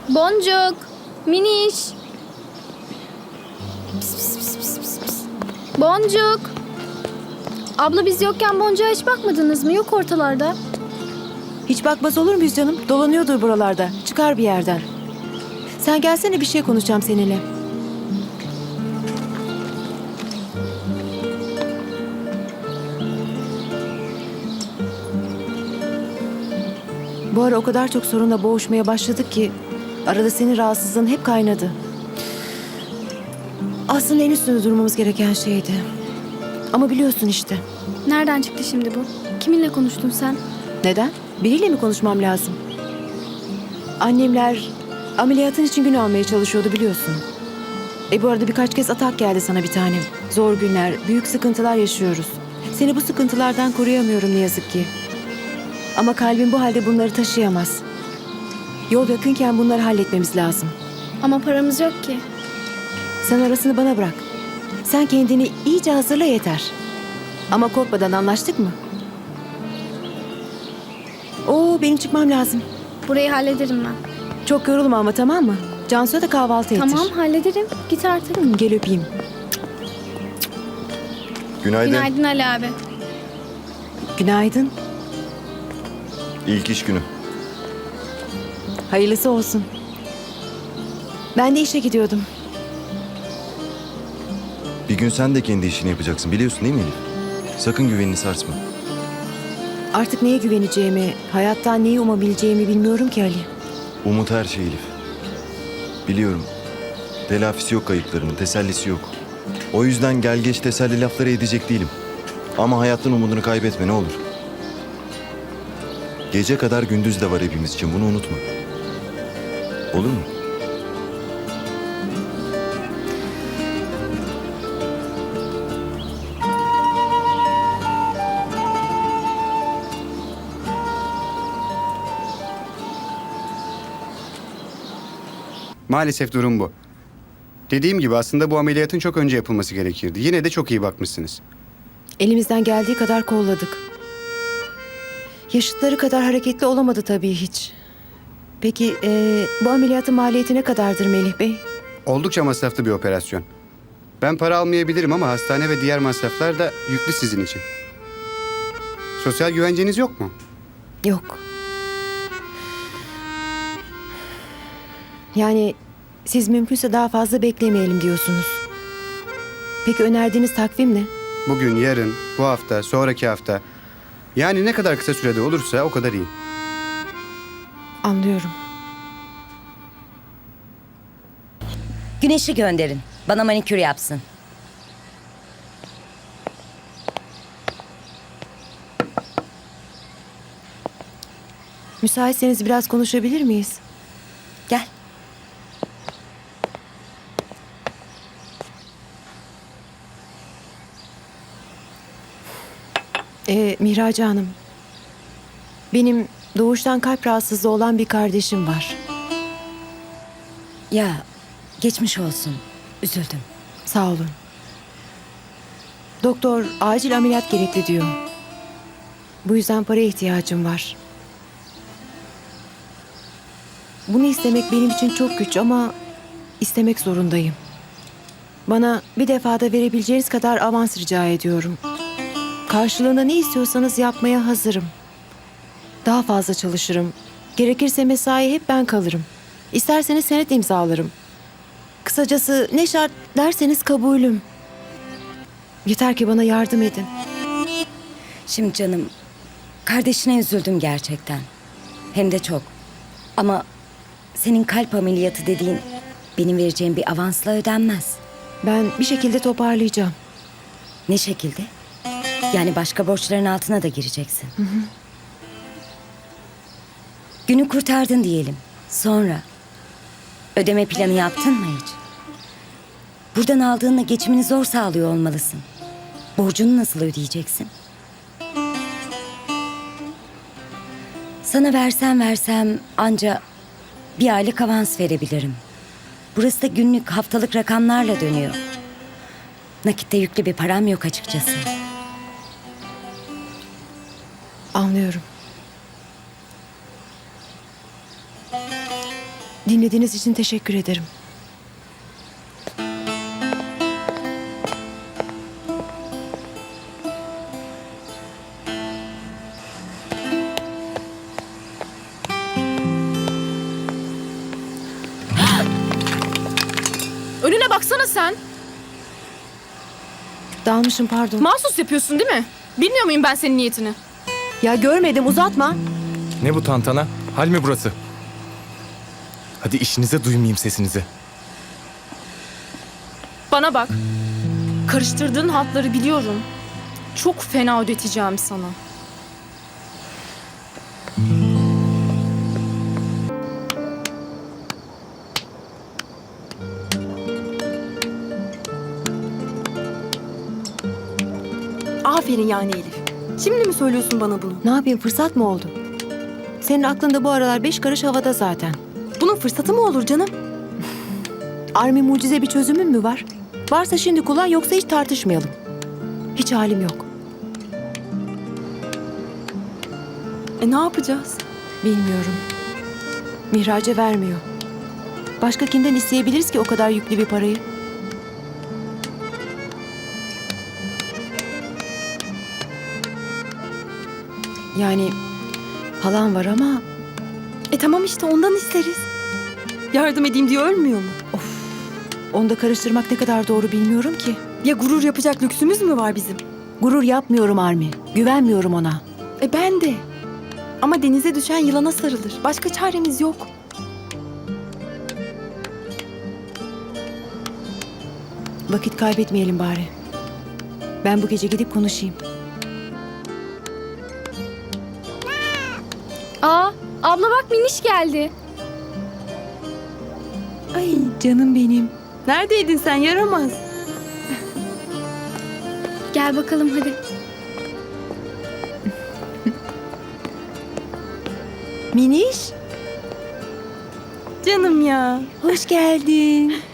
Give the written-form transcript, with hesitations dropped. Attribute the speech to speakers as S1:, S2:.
S1: Boncuk, Miniş. Pis, pis, pis, pis, pis, pis. Boncuk. Abla biz yokken Boncuk'a hiç bakmadınız mı? Yok ortalarda.
S2: Hiç bakmaz olur muyuz canım? Dolanıyordur buralarda. Çıkar bir yerden. Sen gelsene, bir şey konuşacağım seninle. Bu ara o kadar çok sorunla boğuşmaya başladık ki arada senin rahatsızlığın hep kaynadı. Aslında en üstünde durmamız gereken şeydi. Ama biliyorsun işte.
S1: Nereden çıktı şimdi bu? Kiminle konuştun sen?
S2: Neden? Biriyle mi konuşmam lazım? Annemler ameliyatın için gün almaya çalışıyordu, biliyorsun. Bu arada birkaç kez atak geldi sana bir tanem. Zor günler, büyük sıkıntılar yaşıyoruz. Seni bu sıkıntılardan koruyamıyorum ne yazık ki. Ama kalbin bu halde bunları taşıyamaz. Yol yakınken bunları halletmemiz lazım.
S1: Ama paramız yok ki.
S2: Sen arasını bana bırak. Sen kendini iyice hazırla yeter. Ama korkmadan, anlaştık mı? Benim çıkmam lazım.
S1: Burayı hallederim ben.
S2: Çok yorulma ama, tamam mı? Cansu'ya da kahvaltı ettir.
S1: Tamam hallederim. Git artık.
S2: Gel öpeyim.
S3: Günaydın.
S1: Günaydın Ali abi.
S2: Günaydın.
S3: İlk iş günü.
S2: Hayırlısı olsun. Ben de işe gidiyordum.
S3: Bir gün sen de kendi işini yapacaksın, biliyorsun değil mi Elif? Sakın güvenini sarsma.
S2: Artık neye güveneceğimi, hayattan neyi umabileceğimi bilmiyorum ki Ali.
S3: Umut her şey Elif. Biliyorum. Telafisi yok kayıplarının, tesellisi yok. O yüzden gel geç teselli lafları edecek değilim. Ama hayattan umudunu kaybetme ne olur. Gece kadar gündüz de var hepimiz için, bunu unutma. Olur mu?
S4: Maalesef durum bu. Dediğim gibi aslında bu ameliyatın çok önce yapılması gerekirdi. Yine de çok iyi bakmışsınız.
S2: Elimizden geldiği kadar kolladık. Yaşıtları kadar hareketli olamadı tabii hiç. Peki bu ameliyatın maliyeti ne kadardır Melih Bey?
S4: Oldukça masraflı bir operasyon. Ben para almayabilirim ama hastane ve diğer masraflar da yüklü sizin için. Sosyal güvenceniz yok mu?
S2: Yok. Yani siz mümkünse daha fazla beklemeyelim diyorsunuz. Peki önerdiğiniz takvim ne?
S4: Bugün, yarın, bu hafta, sonraki hafta. Yani ne kadar kısa sürede olursa o kadar iyi.
S2: Anlıyorum.
S5: Güneş'i gönderin. Bana manikür yapsın.
S2: Müsaitseniz biraz konuşabilir miyiz?
S5: Gel.
S2: Mihraca Hanım. Benim doğuştan kalp rahatsızlığı olan bir kardeşim var.
S5: Ya geçmiş olsun. Üzüldüm.
S2: Sağ olun. Doktor acil ameliyat gerekli diyor. Bu yüzden paraya ihtiyacım var. Bunu istemek benim için çok güç ama istemek zorundayım. Bana bir defada verebileceğiniz kadar avans rica ediyorum. Karşılığında ne istiyorsanız yapmaya hazırım. Daha fazla çalışırım. Gerekirse mesai hep ben kalırım. İsterseniz senet imzalarım. Kısacası ne şart derseniz kabulüm. Yeter ki bana yardım edin.
S5: Şimdi canım, kardeşine üzüldüm gerçekten. Hem de çok. Ama senin kalp ameliyatı dediğin benim vereceğim bir avansla ödenmez.
S2: Ben bir şekilde toparlayacağım.
S5: Ne şekilde? Yani başka borçların altına da gireceksin. Günü kurtardın diyelim. Sonra ödeme planı yaptın mı hiç? Buradan aldığınla geçimini zor sağlıyor olmalısın. Borcunu nasıl ödeyeceksin? Sana versem anca bir aylık avans verebilirim. Burası da günlük, haftalık rakamlarla dönüyor. Nakitte yüklü bir param yok açıkçası.
S2: Anlıyorum. Dinlediğiniz için teşekkür ederim.
S6: Önüne baksana sen.
S2: Dalmışım, pardon.
S6: Mahsus yapıyorsun değil mi? Bilmiyor muyum ben senin niyetini?
S2: Ya görmedim, uzatma.
S7: Ne bu tantana? Hal mi burası? Hadi işinize, duymayayım sesinizi.
S6: Bana bak. Karıştırdığın hatları biliyorum. Çok fena ödeteceğim sana.
S8: Aferin yani Elif. Şimdi mi söylüyorsun bana bunu?
S2: Ne yapayım, fırsat mı oldu? Senin aklında bu aralar 5 karış havada zaten.
S8: Bunun fırsatı mı olur canım?
S2: Army mucize bir çözümün mü var? Varsa şimdi kullan, yoksa hiç tartışmayalım. Hiç halim yok.
S8: Ne yapacağız?
S2: Bilmiyorum. Mihraç'a vermiyor. Başka kimden isteyebiliriz ki o kadar yüklü bir parayı? Yani halam var ama
S8: Tamam işte ondan isteriz. Yardım edeyim diye ölmüyor mu?
S2: onu da karıştırmak ne kadar doğru bilmiyorum ki.
S8: Ya gurur yapacak lüksümüz mü var bizim?
S2: Gurur yapmıyorum Armi. Güvenmiyorum ona.
S8: Ben de. Ama denize düşen yılana sarılır. Başka çaremiz yok.
S2: Vakit kaybetmeyelim bari. Ben bu gece gidip konuşayım.
S1: Aa, abla bak Miniş geldi.
S2: Ay canım benim.
S8: Neredeydin sen yaramaz?
S1: Gel bakalım hadi.
S2: Miniş,
S8: Canım ya.
S2: hoş geldin.